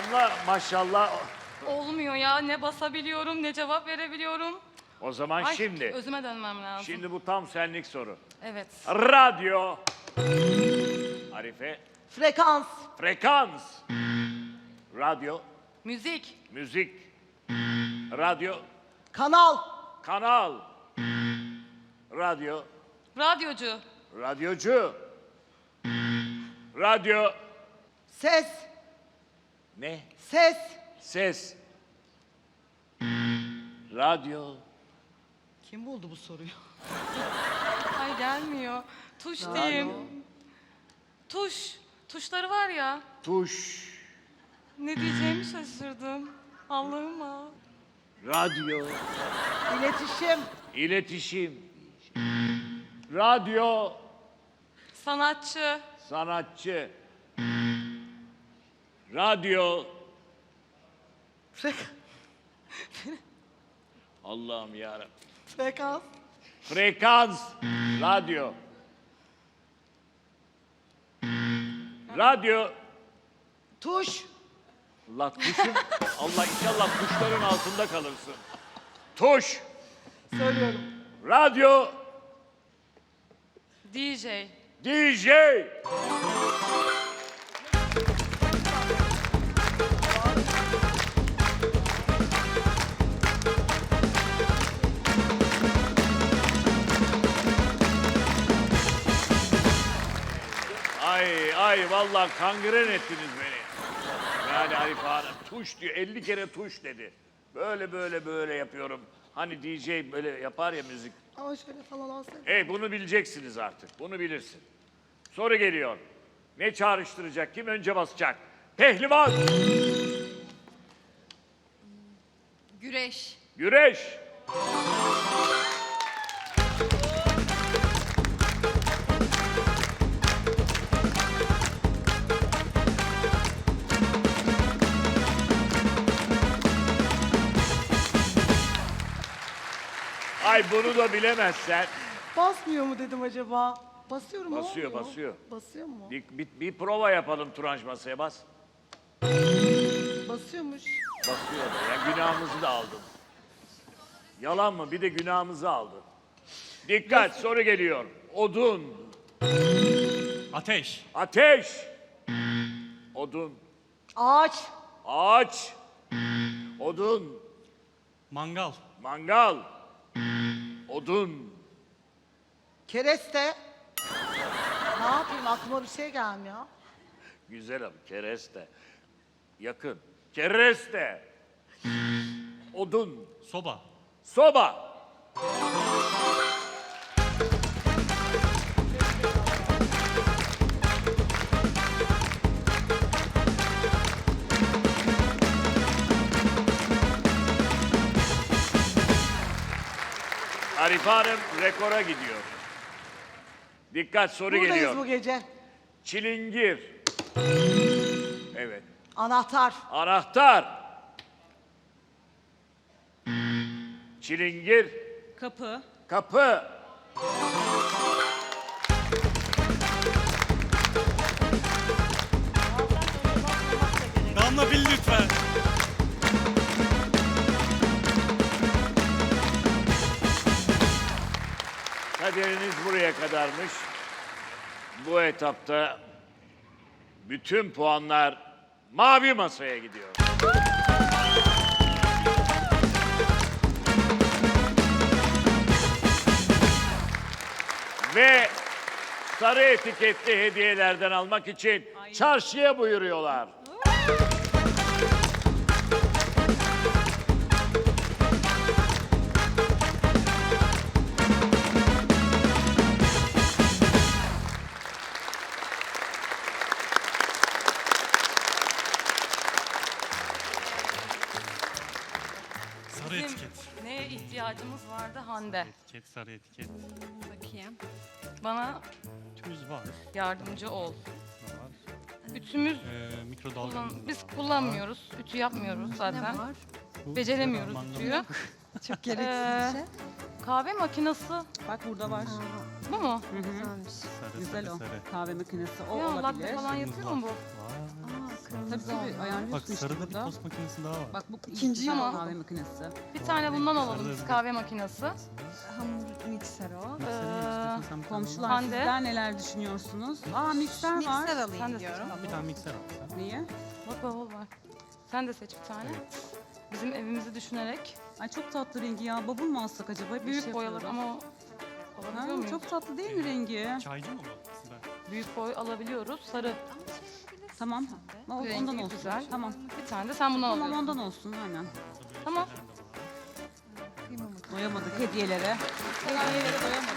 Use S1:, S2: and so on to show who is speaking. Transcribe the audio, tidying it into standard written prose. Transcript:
S1: Damla maşallah.
S2: Olmuyor ya. Ne basabiliyorum ne cevap verebiliyorum.
S1: O zaman
S2: Ay,
S1: şimdi.
S2: özüme dönmem lazım.
S1: Şimdi bu tam senlik soru.
S2: Evet.
S1: Radyo. Arife.
S3: Frekans.
S1: Frekans. Radyo.
S2: Müzik.
S1: Müzik. Radyo.
S3: Kanal.
S1: Kanal. Radyo.
S2: Radyocu.
S1: Radyocu. Radyo.
S3: Ses.
S1: Ne?
S3: Ses.
S1: Ses. Radyo.
S3: Kim buldu bu soruyu?
S2: Ay gelmiyor. Tuş diyeyim. Tuş. Tuşları var ya.
S1: Tuş.
S2: Ne diyeceğimi şaşırdım. Allah'ım ha.
S1: Radyo.
S3: İletişim.
S1: İletişim. Radyo.
S2: Sanatçı.
S1: Sanatçı. Radyo. Allah'ım yarabbim.
S3: Frekans.
S1: Frekans. Radyo. Radyo.
S3: Tuş.
S1: Allah tuşun. Allah inşallah tuşların altında kalırsın. Tuş.
S3: Söylüyorum.
S1: Radyo.
S2: DJ.
S1: DJ. Ay vallahi kangren ettiniz beni. Yani Arife Hanım tuş diyor 50 kere tuş dedi. Böyle yapıyorum. Hani DJ böyle yapar ya müzik.
S3: Ama şöyle falan olsaydı.
S1: Bunu bileceksiniz artık. Bunu bilirsin. Soru geliyor. Ne çağrıştıracak? Kim önce basacak? Pehlivan.
S2: Güreş.
S1: Güreş. Ay bunu da bilemezsen.
S3: Basmıyor mu dedim acaba? Basıyorum mu?
S1: Basıyor,
S3: Olmuyor.
S1: basıyor.
S3: Basıyor mu?
S1: Bir prova yapalım Turanç masaya bas.
S3: Basıyormuş.
S1: Basıyor da ya günahımızı da aldın. Yalan mı? Bir de günahımızı aldın. Dikkat soru geliyor. Odun.
S4: Ateş.
S1: Ateş. Odun.
S3: Ağaç.
S1: Ağaç. Odun.
S4: Mangal.
S1: Mangal. Odun.
S3: Kereste. Ne yapayım aklıma bir şey gelmiyor.
S1: Güzel ama kereste. Yakın. Kereste. Odun.
S4: Soba.
S1: Soba. Arife Hanım rekora gidiyor. Dikkat soru
S3: Buradayız
S1: geliyor.
S3: bu gece.
S1: Çilingir. Evet.
S3: Anahtar.
S1: Anahtar. Çilingir.
S2: Kapı.
S1: Kapı.
S4: Damla bil lütfen.
S1: Kaderiniz buraya kadarmış. Bu etapta bütün puanlar mavi masaya gidiyor. Ve sarı etiketli hediyelerden almak için çarşıya buyuruyorlar.
S4: Sarı
S2: Bizim
S4: etiket.
S2: neye ihtiyacımız vardı Hande?
S4: Etiket, sarı etiket.
S2: Bakayım. Bana
S4: Tüz var.
S2: yardımcı ol.
S4: Var.
S2: Ütümüz
S4: Mikrodalga.
S2: biz kullanmıyoruz. Ütü yapmıyoruz zaten.
S4: Bu
S2: Beceremiyoruz
S4: mangal-
S2: ütüyü.
S5: Çok gereksiz bir şey.
S2: Kahve makinesi
S5: Bak burada var.
S2: bu mu?
S5: Güzelmiş.
S4: Sarı,
S5: Güzel
S4: sarı,
S5: o.
S4: sarı.
S5: Kahve makinesi o
S2: Ya latte
S5: olabilir.
S2: falan yapıyor mu bu?
S4: Var.
S5: Aa, kırmızı Tabii tabii ayarlıyorsun
S4: Bak
S5: işte
S4: sarıda bir
S5: burada.
S4: tost makinesi daha var.
S5: Bak bu
S3: İkinci
S2: ama.
S5: kahve makinesi.
S2: Bir tane bundan
S4: Sarıda
S2: alalım biz,
S4: bir-
S2: kahve makinesi.
S5: Hamur mikser o.
S4: Mikserin üstüne sen bir tane
S5: Komşular
S2: Hande.
S5: sizler neler düşünüyorsunuz? Aa mikser var.
S6: Mikser
S2: Sen de
S6: alayım
S2: seç.
S6: diyorum.
S4: al. Bir tane mikser al sen.
S5: Niye?
S2: Bak bavul var. Sen de seç bir tane. Bizim evimizi düşünerek.
S5: Ay çok tatlı rengi ya. Babul mu alsak acaba? Bir
S2: Büyük
S5: şey
S2: boy alır
S5: yapıyoruz.
S2: ama
S5: Ha,
S2: alabiliyor muyuz?
S5: çok tatlı değil mi rengi?
S4: Çaycı mı bu? Sibel.
S2: Büyük boy alabiliyoruz. Sarı.
S5: Tamam.
S2: Rengi
S5: Ondan olsun.
S2: güzel.
S5: Tamam.
S2: Bir tane de sen bundan
S5: Tamam
S2: alıyorsun.
S5: ondan olsun aynen.
S4: Burada böyle
S2: Tamam.
S4: şeyler de var.
S5: Doyamadık hediyelere. Hediyelere doyamadık.